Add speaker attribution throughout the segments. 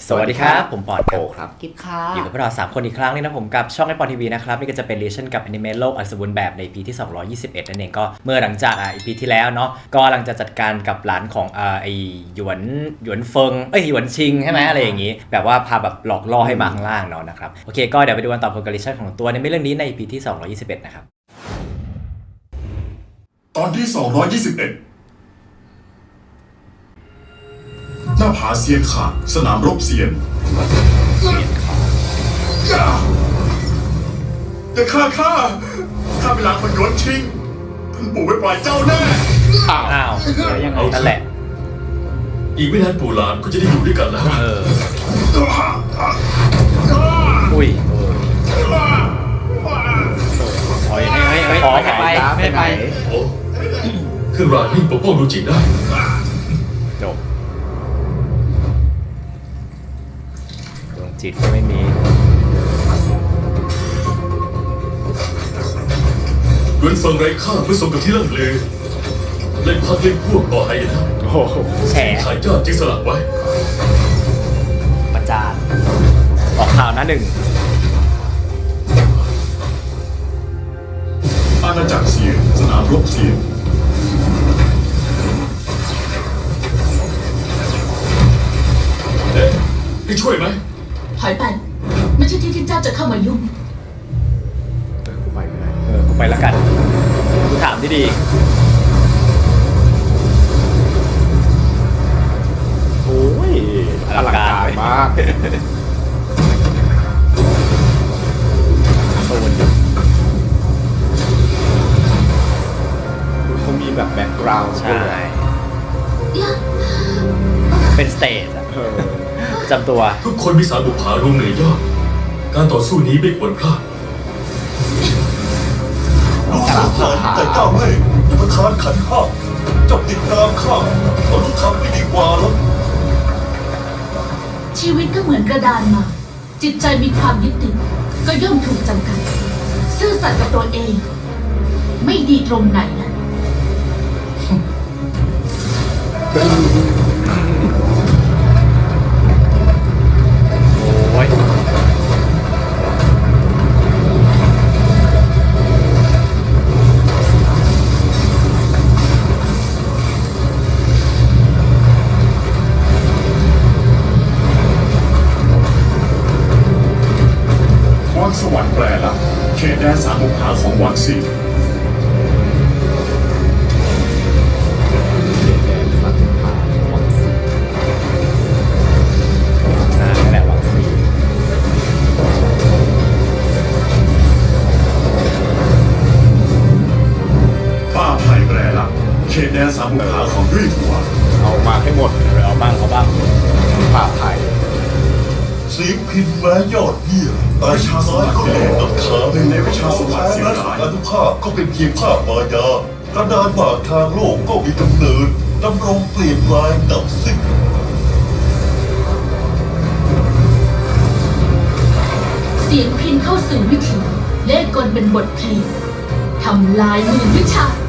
Speaker 1: สวัสดีครับผมปอดครับ
Speaker 2: กิฟค่ะ
Speaker 1: อยู่กับพวกเรา3คนอีกครั้งนึงนะผมกับช่องไอปอนทีวีนะครับนี่ก็จะเป็นเรชั่นกับอนิเมะโลกอันสมบูรณ์แบบใน EP ที่221นั่นเองก็เมื่อหลังจากEP ที่แล้วเนาะก็กำลังจะจัดการกับหลานของไอหยวนเฟิงหยวนชิงใช่ไหมอะไรอย่างงี้แบบว่าพาแบบหลอกล่อให้มาข้างล่างเนาะนะครับโอเคก็เดี๋ยวไปดูกันต่อผลการเรชั่นของตัวในเรื่องนี้ใน EP ที่221นะครับ
Speaker 3: ตอนที่221หน้าผาเซียนขาดสนามรบเซียนอย่าฆ่าข้าเป็นหลานคนหยวนชิงท่านปู่ไม่ปล่อยเจ้าแน่
Speaker 1: อ้าวยังไงนั่นแหละ
Speaker 4: อีกไม่นานปู่หลานก็จะได้อยู่ด้วยกันแล้ว
Speaker 1: อุ้ยขอไปไม่ไป
Speaker 4: โอ้เครื่องรางนี่ปกป้องดูจิตได้
Speaker 1: จบดวงจิตก็ไม่มี
Speaker 4: หยวนเฟิงไร้ค่าเพื่อสมกับที่เรื่องลือเล่นพักเล่นพวกต่อให้นะ
Speaker 1: แฉ
Speaker 4: ขายยอดจึงสลักไว้
Speaker 1: ประจานออกข่าวหน้าหนึ่ง
Speaker 3: อาณาจักรเซียนสนามรบเซียน
Speaker 4: ให้ช่วยไหม
Speaker 2: ถอยไปไม่ใช่ที่เจ้าจะเข้ามายุ่ง
Speaker 1: กูไปไม่ได้กูไปแล้วกันกูถามที่ดี
Speaker 5: โอ้ยอลังการมาก
Speaker 1: โซนอยู่
Speaker 5: เขามีแบบแบ็คกราวด์
Speaker 1: ใช่เป็นสเตจอะจำตัว
Speaker 4: ทุกคนมีสารบุพารวมเหนือยอดการต่อสู้นี้ไม่ควรพลาด
Speaker 3: ลูกสาวข้าแต่เจ้าไม่อย่ามาทานขันข้าเจ้าติดตามข้าเราต้องทำไม่ดีกว่าแล้ว
Speaker 2: ชีวิตก็เหมือนกระดานมาจิตใจมีความยึดติดก็ย่อมถูกจำกัดซื่อสัตย์กับตัวเองไม่ดีตรงไหนนะ
Speaker 1: โอ้ย
Speaker 3: วังสวรรค์แปรละเขตแดนสามบุพภาของหวังซี
Speaker 1: นั่นแหละวังซี
Speaker 3: ป้าไผ่แปรละเขตแดนสามบุพภาของด้วยถัว
Speaker 5: เอามาให้หมด
Speaker 1: เอาบ้าง
Speaker 5: ป่าไทย
Speaker 3: สีพินแม้ยอดเยี่ยมแต่ชาสมัครก็โดนตัดขาหนึ่งในวิชาสมัครเสียหายอนุภาพก็เป็นเพียงภาพมายากระดานบากทางโลกก็มีกำเนิดดำรงเปลี่ยนแปลงดับสิ้น
Speaker 2: เสียงพินเข้าสู่วิถีเลขกลเป็นบทเพลงทำลายมือวิชา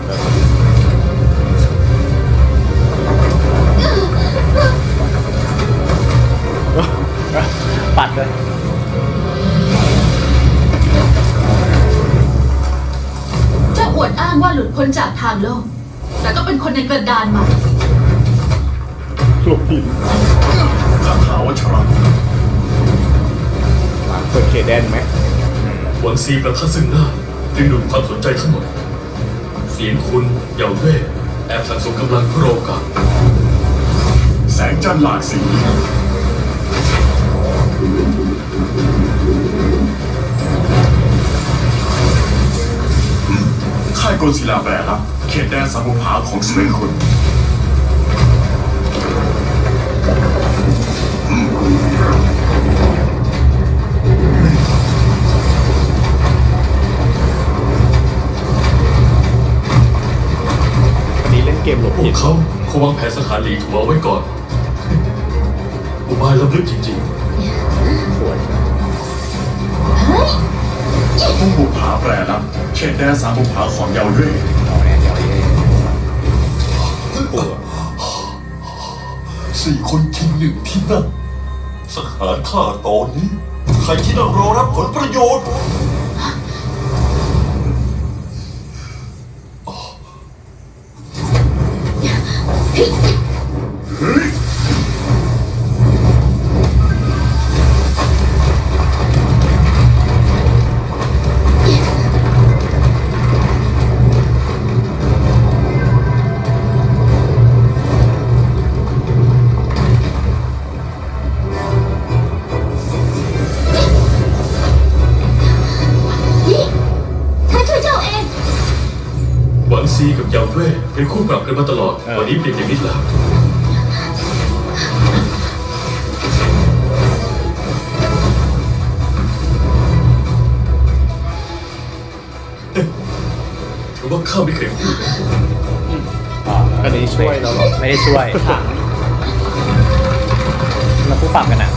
Speaker 1: ปัดเลย
Speaker 2: เจ้าอวดอ้างว่าหลุดพ้นจากทางโลกแต่ก็เป็นคนในกระดานมา
Speaker 5: หลบหิน
Speaker 3: คาถาวัชระ
Speaker 5: เปิดเคแดนไหม
Speaker 4: หวังซีประทัดซึ่งหน้าดึงดูดความสนใจทั้งหมดเสียงคุณเยาเว่แอบสั่งสมกำลังเพื่อโอกาส
Speaker 3: แสงจันทร์หลากสีค่ายกลศิลาแปรละเขตแดนสามบุพภาของสเปนคุณ
Speaker 5: วันนี้เล่นเกมหลบ
Speaker 4: พว
Speaker 5: หิ
Speaker 4: ก
Speaker 5: น
Speaker 4: เขาวางแผนสังหารหลีถัวไว้ก่อนอุบายล้ำลึกจริง
Speaker 5: สวย
Speaker 3: ผู้บุพภาแปรละเขตแดนสามบุพภาของเยาเว่
Speaker 5: ปวด
Speaker 3: 4 คนชิง1 ที่นั่งสังหารข้าตอนนี้ ใครที่นั่งรอรับผลประโยชน์
Speaker 2: นี่ข้าช่วยเจ้าเอง
Speaker 4: หวังซีกับเยาเว่ยเป็นคู่ปรับกันมาตลอด วันนี้เปลี่ยนอย่างนิดแล้วถือว่าข้าไม่เคยพูดนะ
Speaker 5: อันนี้ช่วยเราเหรอ
Speaker 1: ไม่ได้ช่วยเราคู่ปรับกันอ่ะ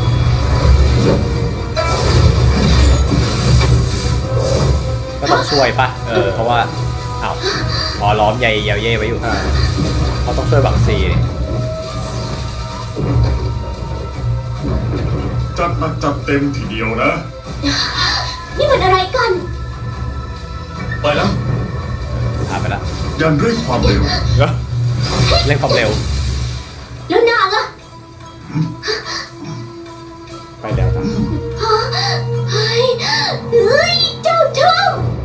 Speaker 1: ก็ต้องช่วยปะเพราะว่าอ้าวอ๋อล้อมใยเยาเย่ไว้อยู่เขาต้องช่วยหวังซีนี่
Speaker 6: จัดหนักจัดเต็มทีเดียวนะ
Speaker 2: นี่มันอะไรกัน
Speaker 4: ไปแล้ว
Speaker 1: ผ่านไปแล้ว
Speaker 6: ยันด้วยความเร็ว
Speaker 1: เร่งความเร็ว
Speaker 2: แล้วนางอะ
Speaker 5: ไปแล้วนะ
Speaker 2: เฮ้ยเจ้าชอบ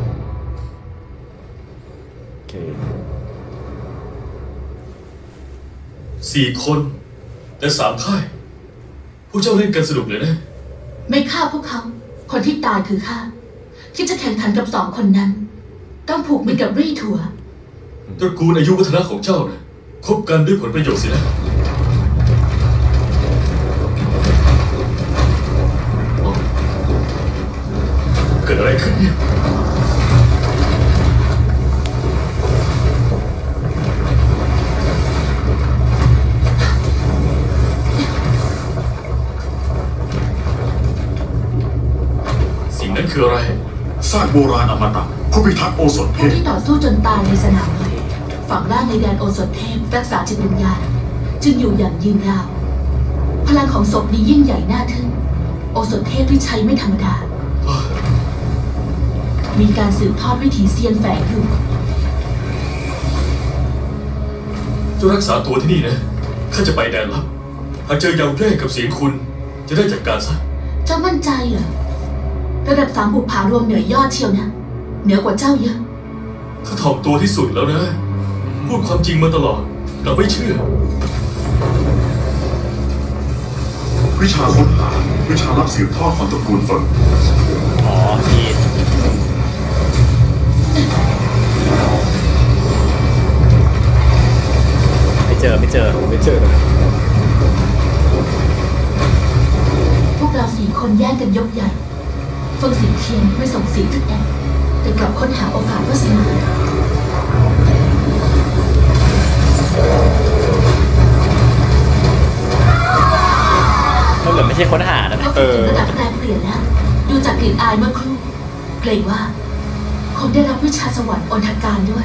Speaker 5: โอเค
Speaker 4: 4 คน แต่3 ค่าย พวกเจ้าเล่นกันสนุกเลยนะ
Speaker 2: ไม่ฆ่าพวกเขา คนที่ตายคือข้าที่จะแข่งขันกับสองคนนั้น ต้องผูกมิตรกับรี่ถัว
Speaker 4: ตระกูลอายุวัฒนะของเจ้านะคบกันด้วยผลประโยชน์สินะเกิดอะไรขึ้นเนี่ย สิ่งนั้นคืออะไร
Speaker 6: ซากโบราณอมตะผู้พิทักษ์โอสถเพ
Speaker 2: ผู้
Speaker 6: ชร
Speaker 2: ที่ต่อสู้จนตายในสนามรบฝังร่างในแดนโอสถเทพรักษาจิตวิญญาณจึงอยู่อย่างยืนยาว พลังของศพนี้ยิ่งใหญ่น่าทึ่ง โอสถเทพที่ใช้ไม่ธรรมดา มีการสืบทอดวิถีเซียนแฝงอยู่
Speaker 4: เจ้ารักษาตัวที่นี่นะ ข้าจะไปแดนลับ หากเจอเยาแย่กับเสียงคุณ จะได้จัดการซะ
Speaker 2: เจ้ามั่นใจเหรอ ระดับ3 บุปผารวมเหนือยอดเชียวนะ เหนือกว่าเจ้าเยอะ
Speaker 4: ข้าถ่อมตัวที่สุดแล้วนะ พูดความจริงมาตลอดเราไม่เชื่อ
Speaker 6: วิชาค้นหาวิชารับสืบทอดของตระกูลเฟิง
Speaker 1: อ๋อทีไม่เจอ
Speaker 5: ไม่เจอนะ
Speaker 2: พวกเรา4 คนแย่งกันยกใหญ่เฟิงสิงเทียนไม่ส่งเสียงทึกแอบแต่กลับค้นหาโอกาสวาสนา
Speaker 1: มันเหมือนไม่ใช่ค้นหานะ
Speaker 2: เขาฝึกถึงระดับแปลเปลี่ยนแล้ว ดูจากกลิ่นอายเมื่อครู่ เกรงว่า คงได้รับวิชาสวรรค์อนทการด้วย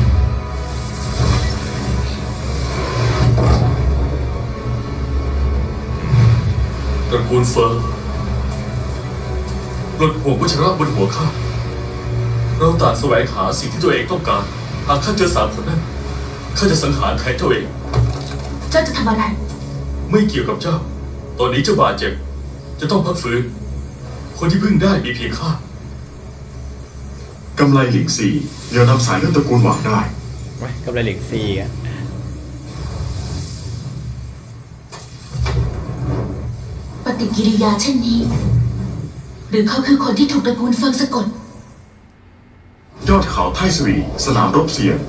Speaker 4: ตระกูลเฟิร์ปลดห่วงวัชระบนหัวข้า เราต่างแสวงหาสิ่งที่ตัวเองต้องการ หากข้าเจอ3 คนนั้น ข้าจะสังหารแทนเจ้าเอง
Speaker 2: เจ้าจะทำอะไร
Speaker 4: ไม่เกี่ยวกับเจ้า ตอนนี้เจ้าบาดเจ็บ จะต้องพักฟื้น คนที่พึ่งได้มีเพียงข้า
Speaker 6: กำไรหลิงซียังนำสายเลือดตระกูลหวังได้
Speaker 1: ไว้กับไรเหล็กซีอ่ะ
Speaker 2: ปฏิกิริยาเช่นนี้ หรือเขาคือคนที่ถูกตระกูลเฟิงสะกด
Speaker 6: ยอดเขาไทสวีสนามรบเสียง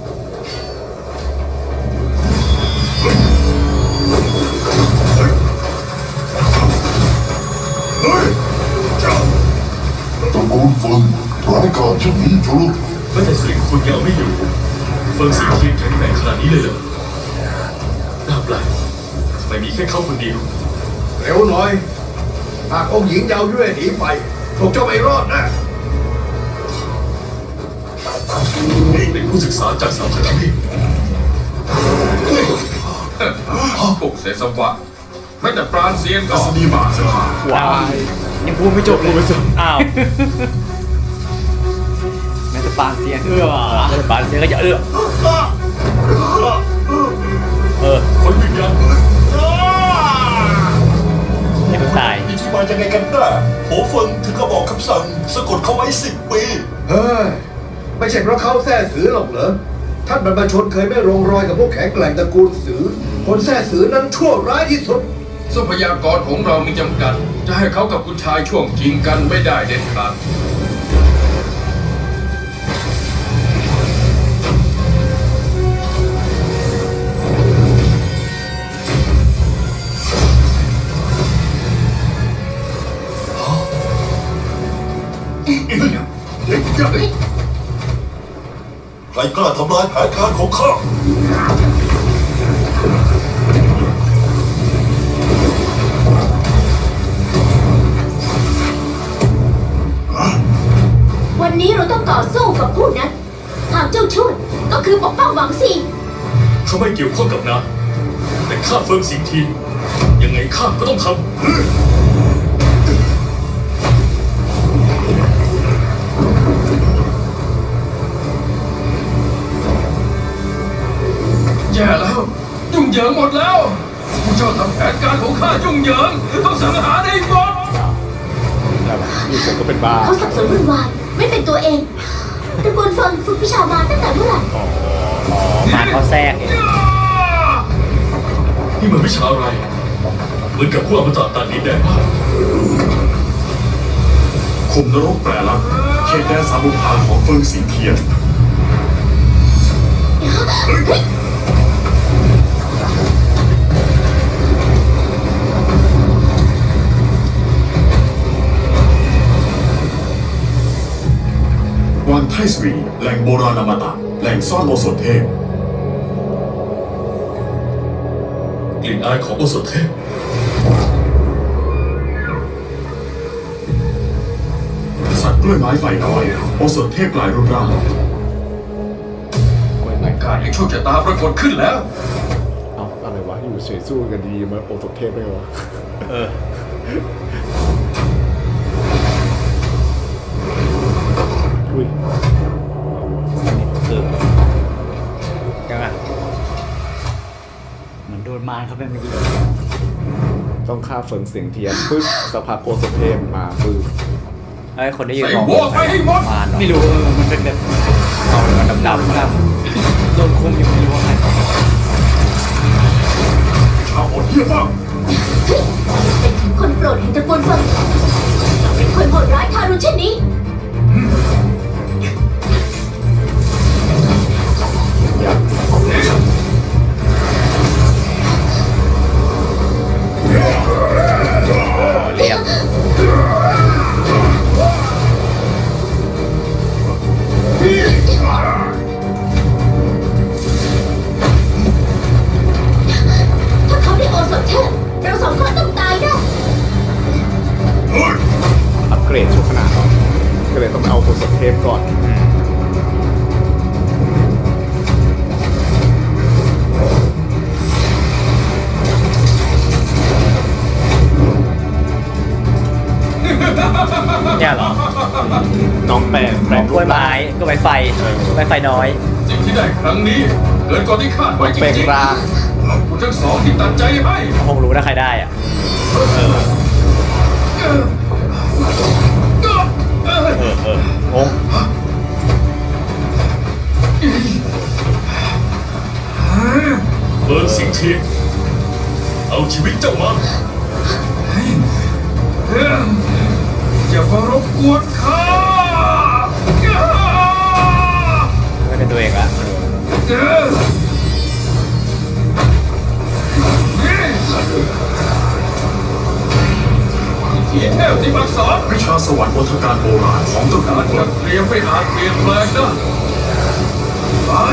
Speaker 3: ตระกูลเฟิงร้ายกาจเช่นนี้เจ้าลูก
Speaker 4: แม้แต่สิริคุณยังเอาไม่อยู่ เฟิงสิงเทียนแข็งแกร่งขนาดนี้เลยเหรอ น่าแปลกทำไมมีแค่เขาคนเดียว
Speaker 7: เร็วหน่อย หากองค์หญิงเยาว์ด้วยหนีไปพวกเจ้าไม่รอดนะ
Speaker 4: เป็นผู้ศึกษาจากสามพันธุ์
Speaker 7: พวกเสสวะไม่แต่ปราณเซียนก็
Speaker 6: อัศนีบาสถาน
Speaker 5: ว้าย
Speaker 1: ยังพูดไม่จบเลยอ้าว
Speaker 5: แม้แต่ปานเซียน
Speaker 1: ปานเสียก็จะ
Speaker 4: คนวิญญาณ
Speaker 1: อย่าเพิ่งตาย
Speaker 3: มีที่มายังไงกันน่ะโหเฟิงถึงก็บอกคำสั่งสะกดเขาไว้10 ปี
Speaker 7: เฮ้ย ไม่ใช่เพราะเขาแท้สือหรอกเหรอ ท่านบรรพชนเคยไม่ลงรอยกับพวกแข็งแกร่งตระกูลสือ คนแท้สือนั้นชั่วร้ายที่สุด
Speaker 8: ทรัพยากรของเรามีจำกัด จะให้เขากับคุณชายช่วงชิงกันไม่ได้เด็ดขาด
Speaker 3: ใครกล้าทำลายแผนการของข้า
Speaker 2: วันนี้เราต้องต่อสู้กับผู้นั้น หากเจ้าช่วยก็คือปกป้องหวังซี
Speaker 4: เขาไม่เกี่ยวข้องกับนางแต่ข้าเฟิงสิงทียังไงข้าก็ต้องทำ
Speaker 8: แย่แล้ว ยุ่งเหยิงหมดแล้วผู้เจ้าทำแผนการของข้ายุ่งเหยิงต้องสังหารให้หมด
Speaker 5: แบบอยู่เฉยก็เป็นบ้า
Speaker 2: เขาสับสนวุ่นวายไม่เป็นตัวเองตระกูลเฟิงฝึกวิชามาตั้งแต่เมื่อไหร่
Speaker 1: มาเขาแทรกเอง
Speaker 4: นี่มันวิชาอะไร เหมือนกับพวกอมตะตัดดินแดนมาก
Speaker 6: คุมนรกแปรลักษณ์เขตแดนสามบุพาของเฟิงสิงเทียน วังไทสวี แหล่งโบราณอมตะ แหล่งซ่อนโอสถเทพ
Speaker 4: กลิ่นอายของโอสถเทพ
Speaker 6: สัตว์กล้วยไม้ไฟน้อย โอสถเทพกลายรูปร่าง
Speaker 5: กล้วยไม้
Speaker 8: ข้ายังโชคชะตาปรากฏขึ้นแล้ว
Speaker 5: เอาอะไรวะ อยู่เฉยสู้กันดีมาโอสถเทพได้ไงวะ อุ้ย
Speaker 1: คือยังไง
Speaker 9: เหมือนโดนมารเขาเป็นเมื่อกี้
Speaker 5: ต้องฆ่าเฟิงเสียงเทียนปึ๊บสักพักโอสถเทพมาปึ๊บ
Speaker 1: ไอ้คนที่ยืน
Speaker 8: ใส่
Speaker 1: มอง
Speaker 8: หัวไปให้หมด
Speaker 1: มาเนาะ
Speaker 9: ไม่รู้มันเป็นแบบ
Speaker 1: เอาเลยมันดำๆครับ
Speaker 9: โดนคุมอยู่ไม่รู้ว่าใคร
Speaker 6: ชาวอดเยี่ยมมาก
Speaker 2: เป็นถึงคนโปรดแห่งตระกูลเฟิงเป็นคนโหดร้ายทารุณเช่นนี้
Speaker 1: เรียบ
Speaker 2: ถ้าเขาได้โอสถเทพเราสองคนต้องตายได้
Speaker 5: อัปเกรดชั่วขนาดก็เลยต้องเอาโอสถเทพก่อน
Speaker 1: เนี่ยเหรอ
Speaker 5: น้องแปลง
Speaker 1: กล้วยไม้กล้วยไม้ไฟกล้วยไม้ไฟน้อย
Speaker 8: สิ่งที่ได้ครั้งนี้เกินกว่าที่คาดไว้จ
Speaker 5: แปลง
Speaker 8: ริง
Speaker 5: ร่าง
Speaker 8: ๆคุณทั้งสองที่ตัดใจให้
Speaker 1: คงรู้ถ้าใครได้อ่ะ งง
Speaker 4: เฟิงสิงทีเอาชีวิตเจ้ามา
Speaker 8: อย่ามารบกวนข้า
Speaker 1: ไม่เป็นตัวเองละ
Speaker 8: ที่เทพที่มักสอน
Speaker 6: วิชาสวรรค์วัฒการโบราณของตระกู
Speaker 8: การ
Speaker 6: ลเฟิ
Speaker 8: จั
Speaker 6: ง
Speaker 8: ดเตรียมไม่อาจเปลี่ยนแปลงได้ตาย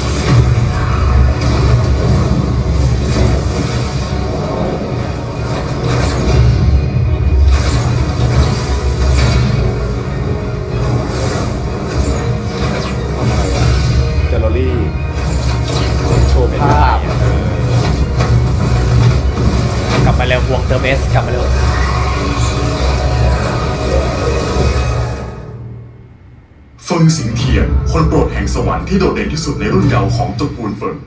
Speaker 5: แกลเลอรี่โชว์ภาพ
Speaker 1: กลับมาเร็วเติมเอสกลับมาเร็ว
Speaker 6: เฟิงสิงเทียน คนโปรดแห่งสวรรค์ที่โดดเด่นที่สุดในรุ่นเยาว์ของตระกูลเฟิง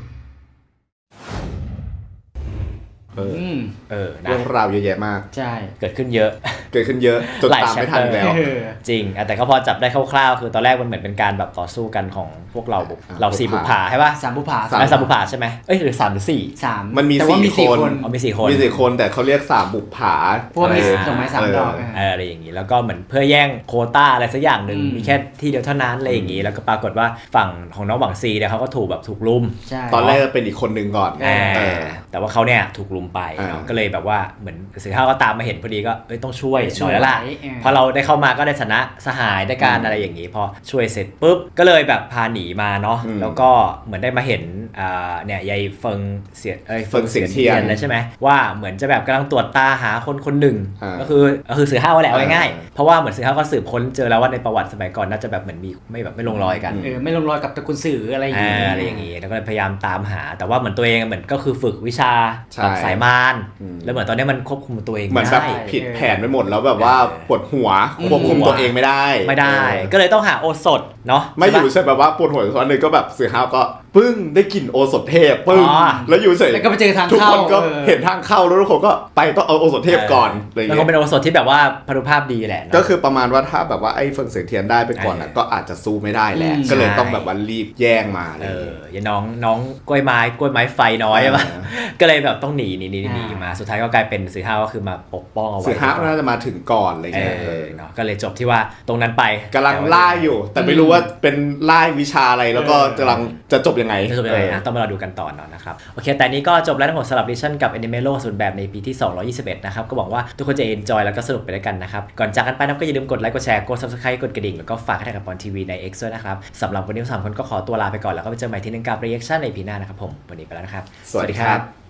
Speaker 1: นะ
Speaker 5: เรื่องราวเยอะแยะมาก
Speaker 9: ใช่
Speaker 1: เกิดขึ้นเยอะ
Speaker 5: เกิดขึ้นเยอะจน
Speaker 1: หลาย
Speaker 5: ตามไม่ทัน
Speaker 1: chapter
Speaker 5: แล้ว
Speaker 1: จริงแต่ก็พอจับได้คร่าวๆคือตอนแรกมันเหมือนเป็นการแบบต่อสู้กันของพวกเราเราสี่บุปผาใช่ป่ะ
Speaker 9: สามบุปผา
Speaker 1: สามบุปผาใช่ไหมเอ้ยหรือ3 หรือ 4
Speaker 9: สาม
Speaker 5: มันมี
Speaker 9: แต่ว่า
Speaker 5: สี่คน
Speaker 1: อ๋อมี4 คน
Speaker 5: มี4 คนแต่เขาเรียก3บุปผา
Speaker 9: เพราะว่ามี
Speaker 5: เออ
Speaker 9: ดอกไม้3 ดอก
Speaker 1: อะไรอย่างนี้แล้วก็เหมือนเพื่อแย่งโควต้าอะไรสักอย่างหนึ่ง
Speaker 9: อืม
Speaker 1: มีแค่ที่เดียวเท่านั้นอะไรอย่างนี้แล้วก็ปรากฏว่าฝั่งของน้องหวังซีเนี่ยเขาก็ถูกลุม
Speaker 9: ใช่
Speaker 5: ตอนแรกเป็นอีกคนนึงก่อน
Speaker 1: แต่ว่าเขาเนี่ยถูกลุมไปเนาะก็เลยแบบว่าเหมือนสือข้าวก็ตามมาเห็นพอดีก็ต้องช่วยหน่อยแล้วล่ะพอเราได้เข้ามาก็ได้ชนะสหายได้การอะไรอย่างนี้พอช่วยเสร็จปุ๊บก็เลยแบบพาหนีมาเนาะแล้วก็เหมือนได้มาเห็นเนี่ยยายเฟิงเสียงเทียนแล้วใช่ไหมว่าเหมือนจะแบบกำลังตรวจตาหาคนหนึ่งก็คือสือข้าวแหละเอาง่ายๆเพราะว่าเหมือนสือข้าวก็สืบค้นเจอแล้วว่าในประวัติสมัยก่อนน่าจะแบบเหมือนมีไม่ลงรอยกัน
Speaker 9: ไม่ลงรอยกับตระกูลสื่ออะไรอย่างเงี้ย
Speaker 1: อะไรอย่างงี้แล้วก็พยายามตามหาแต่ว่าเหมือนตัวเองเหมือนก็คือฝึกวิชา
Speaker 5: ใช่
Speaker 1: แบบสายมารแล้วเหมือนตอนนี้มันควบคุมตัวเอง
Speaker 5: เหมือน
Speaker 1: ไม่
Speaker 5: แบบ
Speaker 1: ได้
Speaker 5: ผิดแผนไปหมดแล้วแบบว่าปวดหัวควบคุมตัวเองไม่ได้
Speaker 1: ก็เลยต้องหาโอสถเนาะ
Speaker 5: ไม่อยู่ใช่แบบว่าปวดหัวตอนนึงก็แบบเสือห้าวก็ปึ้งได้กลิ่นโอสถเทพปึ้งแล้วอยู่เฉย
Speaker 9: แล้วก็ไปเจอทาง
Speaker 5: ทุก
Speaker 9: เข้า
Speaker 5: คนก็เห็นทางเข้าแล้วทุกคนก็ไปต้องเอาโอสถเทพก่อนอะไรอย่าง
Speaker 1: แล้ว
Speaker 5: เงี้
Speaker 1: ก็เป็น
Speaker 5: ย
Speaker 1: โอสถที่แบบว่าพรรณภาพดีแหละ
Speaker 5: ก็คือประมาณว่าถ้าแบบว่าไอ้เฟิงเสียงเทียนได้ไปก่อนก็อาจจะสู้ไม่ได้แหละก็เลยต้องแบบว่ารีบแย่งมาเลย
Speaker 1: อย่าน้องกล้วยไม้ไฟน้อยใช่ปะก็เลยแบบต้องหนีมาสุดท้ายก็กลายเป็นสือห้าวก็คือมาปกป้องเอาไว้
Speaker 5: เสือห้าวน่าจะมาถึงก่อนอะไรเงี้ย
Speaker 1: เนาะก็เลยจบที่ว่าตรงนั้นไป
Speaker 5: กำลังล่าอยู่ แต่ไม่รู้ว่าเป็นล่าวิชาอะไรแล้วก็กำลังจะจบยังไง
Speaker 1: ต้องมารอดูกันต่อเนาะนะครับโอเคแต่นี้ก็จบแล้วทั้งหมดสำหรับดิชั่นกับ Anime โลกส่วนแบบในปีที่221นะครับก็หวังว่าทุกคนจะ enjoy แล้วก็สนุกไปด้วยกันนะครับก่อนจากกันไปนะก็อย่าลืมกดไลค์กดแชร์กด subscribe กดกระดิ่งแล้วก็ฝากให้กับปอนทีวีใน X ด้วยนะครับสำหรับวันนี้ทั้ง3 คนก็ขอตัวลาไปก่อนแล้วก็ไปเจอใหม่ที่นึงกับ reaction ในปีหน้านะครับผมวันนี้ไปแล้วนะครับ
Speaker 5: สวัสดีครับ